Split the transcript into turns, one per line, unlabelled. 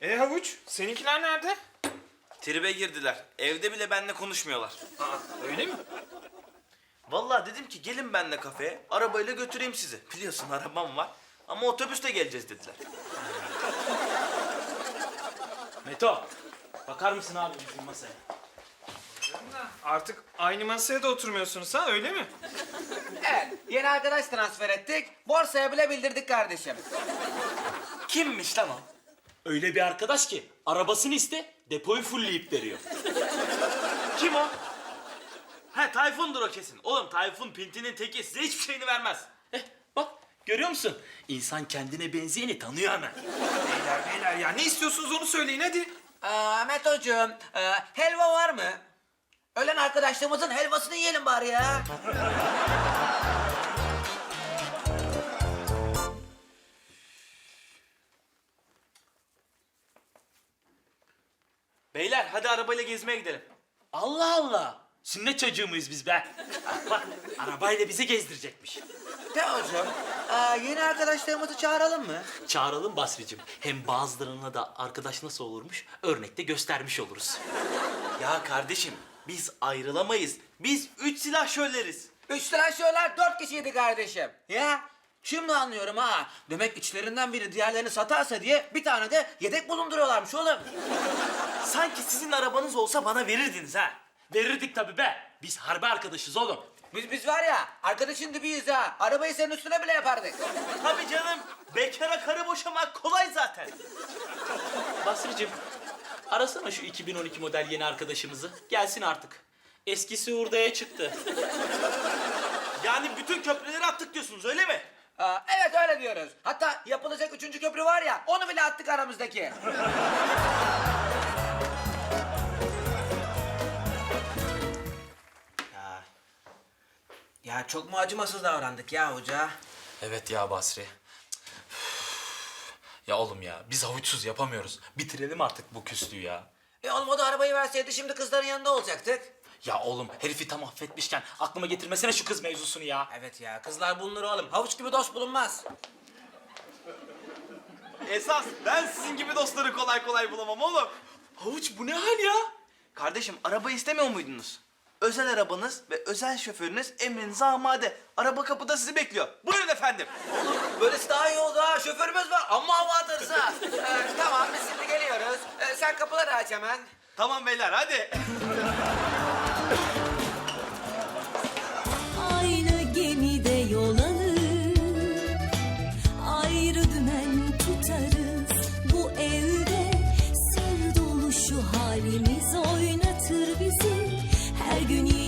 Havuç, seninkiler nerede?
Tribe girdiler. Evde bile benimle konuşmuyorlar.
Öyle mi?
Vallahi dedim ki gelin benimle kafeye. Arabayla götüreyim sizi. Biliyorsun arabam var. Ama otobüste geleceğiz dediler.
Meto, bakar mısın abi bizim masaya?
Artık aynı masaya da oturmuyorsunuz ha, öyle mi?
Evet, yeni arkadaş transfer ettik. Borsaya bile bildirdik kardeşim.
Kimmiş lan o?
Öyle bir arkadaş ki arabasını iste, depoyu fullleyip veriyor.
Kim o? He Tayfun'dur o kesin. Oğlum Tayfun pintinin teki, size hiçbir şeyini vermez.
Bak, görüyor musun? İnsan kendine benzeyeni tanıyor hemen.
Beyler ya, ne istiyorsunuz onu söyleyin hadi.
Metocuğum, helva var mı? Ölen arkadaşlarımızın helvasını yiyelim bari ya.
Beyler hadi arabayla gezmeye gidelim.
Allah Allah! Sünnet çocuğu muyuz biz be? Bak, arabayla bizi gezdirecekmiş.
Teocuğum, yeni arkadaşlarımızı çağıralım mı?
Çağıralım Basri'cim. Hem bazılarına da arkadaş nasıl olurmuş örnekte göstermiş oluruz.
Ya kardeşim biz ayrılamayız. Biz 3 silahşörleriz.
3 silahşörler 4 kişiydi kardeşim. Ya, şimdi anlıyorum ha. Demek içlerinden biri diğerlerini satarsa diye bir tane de yedek bulunduruyorlarmış oğlum.
Sanki sizin arabanız olsa bana verirdiniz ha.
Verirdik tabii be. Biz harbi arkadaşız oğlum.
Biz var ya, arkadaşın dibiyiz ha. Arabayı senin üstüne bile yapardık.
Tabii canım. Bekara karı boşamak kolay zaten.
Basri'cim, arasana şu 2012 model yeni arkadaşımızı. Gelsin artık. Eskisi hurdaya çıktı.
Yani bütün köprüleri attık diyorsunuz öyle mi?
Evet öyle diyoruz. Hatta yapılacak 3. köprü var ya, onu bile attık aramızdaki. Ya çok mu acımasız davrandık ya hoca?
Evet ya Basri. Ya oğlum ya biz havuçsuz yapamıyoruz. Bitirelim artık bu küslüğü ya.
Olmadı arabayı verseydi şimdi kızların yanında olacaktık.
Ya oğlum herifi tam affetmişken aklıma getirmesene şu kız mevzusunu ya.
Evet ya, kızlar bulunur oğlum. Havuç gibi dost bulunmaz.
Esas ben sizin gibi dostları kolay kolay bulamam oğlum.
Havuç bu ne hal ya?
Kardeşim araba istemiyor muydunuz? Özel arabanız ve özel şoförünüz emrinize amade. Araba kapıda sizi bekliyor. Buyurun efendim.
Böylesi daha iyi oldu ha. Şoförümüz var. Amma hava atarız ha. Tamam, biz şimdi geliyoruz. Sen kapıları aç hemen.
Tamam beyler hadi.
Aynı gemide yol alır, ayrı dümen tutarız. Bu evde sır dolu şu halimiz oynatır bizi. Her gün